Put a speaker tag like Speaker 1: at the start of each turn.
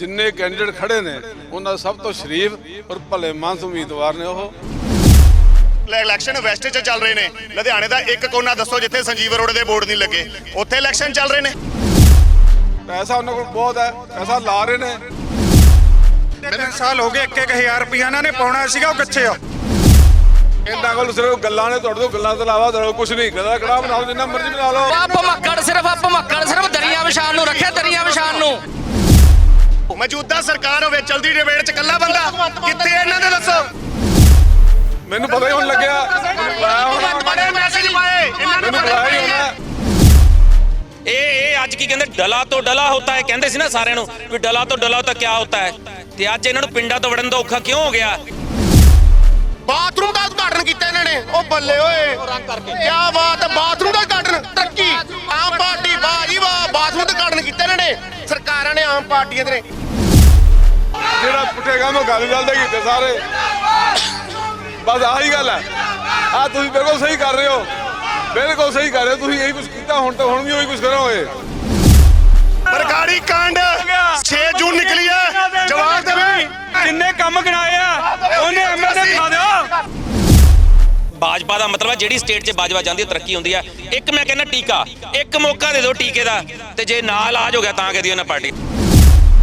Speaker 1: जिन्ने कैंਡੀਡੇਟ खड़े ने उन्होंने सब तो शरीफ और भले मानस उम्मीदवार ने। वो
Speaker 2: इलैक्शन वैस्ट च चल रहे हैं। लुधियाने का एक कोना दसो जिथे संजीव अरोड़ा के बोर्ड नहीं लगे, उत्थे इलैक्शन चल रहे हैं।
Speaker 1: पैसा उन्होंने को बहुत है, पैसा ला रहे हैं।
Speaker 3: 3 साल हो गए 1-1000 रुपया इन्होंने पाउना सीगा, वो कित्थे आ?
Speaker 1: इन्होंने को सिर्फ गल्लां ने, तुहाडे तो गल्लां तो इलावा कुछ नहीं। गला कड़ा बनाओ, जिन्ना मर्जी बना लो।
Speaker 4: भमक्कड़ सिर्फ दरिया विछाण नूं रखे, दरिया विछाण नूं।
Speaker 2: मौजूदा सरकार होवे, चलदी डिबेट च कल्ला बंदा कित्थे इन्हां दे दसो।
Speaker 1: मैनूं पता ही होण लग्या,
Speaker 2: बड़े मैसेज पाए इन्हां ने,
Speaker 1: बुलाया ही होना।
Speaker 5: ਇਹ ਅੱਜ ਕੀ ਕਹਿੰਦੇ ਡਲਾ ਤੋਂ ਡਲਾ ਹੁੰਦਾ ਹੈ, ਕਹਿੰਦੇ ਸੀ ਨਾ ਸਾਰਿਆਂ ਨੂੰ ਵੀ ਡਲਾ ਤੋਂ ਡਲਾ ਤਾਂ ਕਿਆ ਹੁੰਦਾ ਹੈ। ਤੇ ਅੱਜ ਇਹਨਾਂ ਨੂੰ ਪਿੰਡਾਂ ਤੋਂ ਵੜਨ ਦਾ ਔਖਾ ਕਿਉਂ ਹੋ ਗਿਆ?
Speaker 2: ਬਾਥਰੂਮ ਦਾ ਉਦਘਾਟਨ ਕੀਤਾ ਇਹਨਾਂ ਨੇ। ਉਹ ਬੱਲੇ ਓਏ, ਕੀ ਬਾਤ ਹੈ, ਬਾਥਰੂਮ ਦਾ ਉਦਘਾਟਨ। ਤਰੱਕੀ ਆਮ ਪਾਰਟੀ, ਵਾਹ ਜੀ ਵਾਹ, ਬਾਥਰੂਮ ਦਾ ਉਦਘਾਟਨ ਕੀਤਾ ਇਹਨਾਂ ਨੇ। ਸਰਕਾਰਾਂ ਨੇ, ਆਮ ਪਾਰਟੀਆਂ ਦੇ
Speaker 1: ਜਿਹੜਾ ਪੁੱਠੇ ਕੰਮ ਉਹ ਗੱਲ ਦੇ ਕੀਤੇ ਸਾਰੇ। ਬਸ ਆਹੀ ਗੱਲ ਹੈ। ਆ ਤੁਸੀਂ ਬਿਲਕੁਲ ਸਹੀ ਕਰ ਰਹੇ ਹੋ, ਬਿਲਕੁਲ ਸਹੀ ਕਰ ਰਹੇ ਹੋ। ਤੁਸੀਂ ਇਹੀ ਕੁਝ ਕੀਤਾ, ਹੁਣ ਤਾਂ ਹੁਣ ਵੀ ਉਹੀ ਕੁਝ ਕਰੋਗੇ।
Speaker 2: ਬਰਗਾੜੀ ਕਾਂਡ 6 ਜੂਨ ਨਿਕਲੀ ਹੈ, ਜਵਾਬ ਦੇਵੇ।
Speaker 3: ਜਿੰਨੇ ਕੰਮ ਗਿਣਾਏ ਆ ਉਹਨੇ ਐਮਐਲਏ ਦਿਖਾ ਦਿਓ।
Speaker 5: ਭਾਜਪਾ ਦਾ ਮਤਲਬ ਹੈ ਜਿਹੜੀ ਸਟੇਟ 'ਚ ਬਾਜਵਾ ਜਾਂਦੀ ਹੈ ਤਰੱਕੀ ਹੁੰਦੀ ਹੈ। ਇੱਕ ਮੈਂ ਕਹਿੰਦਾ ਟੀਕਾ, ਇੱਕ ਮੌਕਾ ਦੇ ਦਿਓ ਟੀਕੇ ਦਾ, ਤੇ ਜੇ ਨਾ ਇਲਾਜ ਹੋ ਗਿਆ ਤਾਂ ਕਹਦੀ ਉਹਨਾਂ ਪਾਰਟੀ।